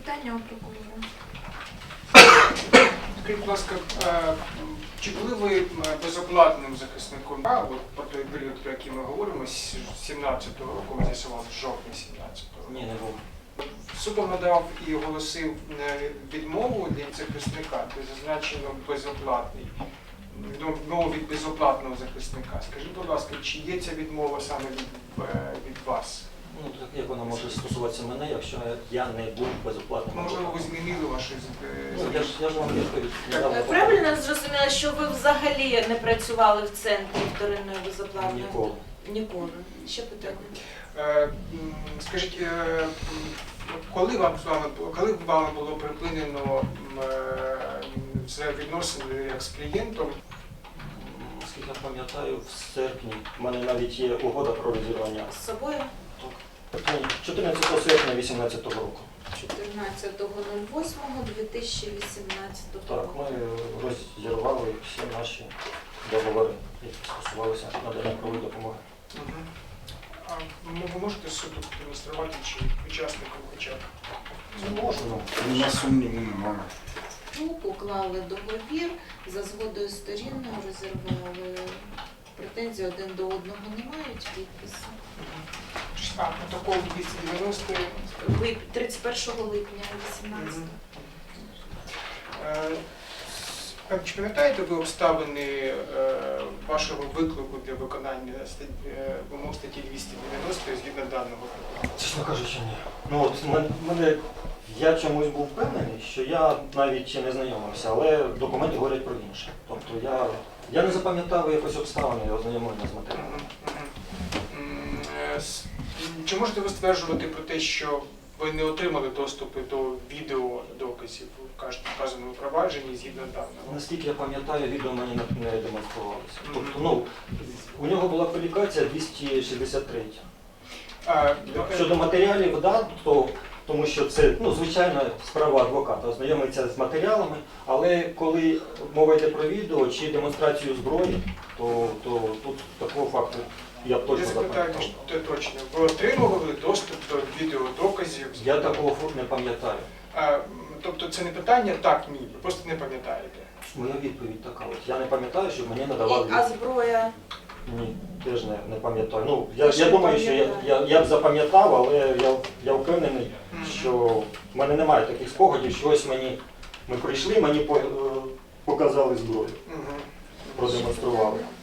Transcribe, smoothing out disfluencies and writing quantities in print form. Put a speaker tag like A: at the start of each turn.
A: Запитання у прокурора.
B: Скажіть, будь ласка, чи були ви безоплатним захисником? Про той період, про який ми говоримо, з 17-го року, ми з'ясували, з жовтня 17-го року.
C: Ні, не був.
B: Судом надав і оголосив відмову для захисника, де зазначено безоплатний. Відмову від безоплатного захисника. Скажіть, будь ласка, чи є ця відмова саме від вас?
C: Ну, так як вона може стосуватися мене, якщо я не був безоплатним?
B: Можливо, ви змінили ваші...
C: Ну, я ж вам відповідь не дав.
A: Правильно зрозуміла, що ви взагалі не працювали в центрі вторинної безоплатної?
C: Ніколи.
A: Ніколи. Ще питання.
B: Скажіть, коли вами було припинено відносини як з клієнтом?
C: Наскільки я пам'ятаю, в серпні в мене навіть є угода про розірвання.
A: З собою?
C: 14 серпня 2018 року.
A: 14.08.2018
C: Так,
A: року.
C: ми розірвали всі наші договори, які стосувалися надання правової допомоги.
B: А ви можете суду демонструвати, чи учасникам хоча б?
C: Не можу.
D: На сумніву немає.
A: Уклали договір, за згодою сторін розірвали. Претензій один до одного не мають, підписи.
B: А протокол 290
A: 31 липня 18.
B: Чи пам'ятаєте ви обставини вашого виклику для виконання вимог статті 290 згідно даного протоколу?
C: Чесно кажучи, ні. Ну от я чомусь був впевнений, що я навіть не знайомився, але документи говорять про інше. Тобто я не запам'ятав якось обставини ознайомлення з матеріалом.
B: Чи можете ви стверджувати про те, що ви не отримали доступу до відеодоказів у вказаному провадженні згідно даного?
C: Наскільки я пам'ятаю, відео мені не демонструвалося. Тобто, у нього була кваліфікація 263. Щодо матеріалів, да, тому що це звичайна справа адвоката, ознайомиться з матеріалами, але коли мова йде про відео чи демонстрацію зброї, то тут такого факту я б точно запам'ятав.
B: Я запитаю точно. Ви отримували доступ до відеодоказів?
C: Я такого не пам'ятаю.
B: Тобто це не питання так, ні, ви просто не пам'ятаєте?
C: Моя відповідь така. Я не пам'ятаю, що мені надавали.
A: А зброя?
C: Ні, теж не пам'ятаю. Я думаю, що я б запам'ятав, але я впевнений, що в мене немає таких спогадів, що ось ми прийшли, мені показали зброю, продемонстрували.